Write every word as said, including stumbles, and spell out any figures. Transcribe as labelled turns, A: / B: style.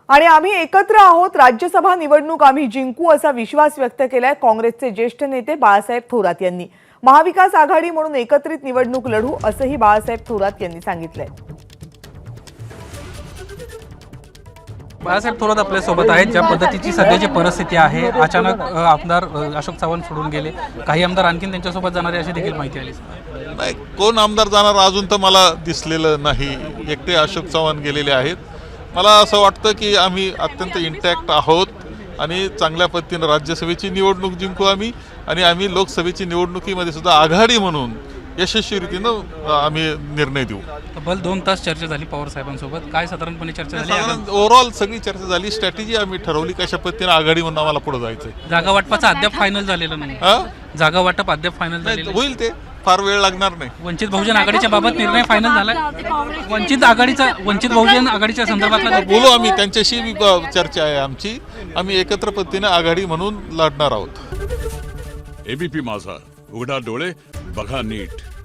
A: आणि आम्ही एकत्र आहोत, राज्यसभा निवडणूक आम्ही जिंकू असा विश्वास व्यक्त केलाय काँग्रेसचे ज्येष्ठ नेते बाळासाहेब थोरात यांनी। महाविकास आघाडी म्हणून एकत्रित निवडणूक लढू असंही बाळासाहेब थोरात यांनी सांगितलंय।
B: बाळासाहेब थोरात आपल्या सोबत आहेत। ज्या पद्धतीची सध्याची परिस्थिती आहे, अचानक आमदार अशोक चव्हाण सोडून गेले, काही आमदार आणखीन त्यांच्या सोबत जाणारे अशी देखील माहिती आली।
C: नाही, कोण आमदार जाणार अजून तर मला दिसलेलं नाही। एकटे अशोक चव्हाण गेलेले आहेत। मला असं वाटतं की आम्ही अत्यंत इंटॅक्ट आहोत आणि चांगल्या पद्धतीने राज्यसभेची निवडणूक जिंकू आम्ही आणि आम्ही लोकसभेची निवडणुकीमध्ये सुद्धा आघाडी म्हणून यशस्वी रीतीनं आम्ही निर्णय देऊ।
B: तब्बल दोन तास चर्चा झाली पवार साहेबांसोबत, काय साधारणपणे चर्चा झाली?
C: ओव्हरऑल सगळी चर्चा झाली, स्ट्रॅटेजी आम्ही ठरवली कशा पद्धतीने आघाडी म्हणून आम्हाला पुढे जायचं।
B: जागा वाटपाचं अद्याप फायनल झालेलं नाही। जागा वाटप अद्याप फायनल झालेलं
C: होईल, ते फार वेळ लागणार नाही।
B: वंचित बहुजन आघाडीच्या बाबत निर्णय फायनल झाला। वंचित आघाडीचा वंचित बहुजन आघाडीच्या संदर्भातला
C: बोलू आम्ही, त्यांच्याशी चर्चा आहे आमची। आम्ही एकत्र पद्धतीने आघाडी म्हणून लढणार आहोत।
D: एबीपी माझा, उघडा डोळे बघा नीट।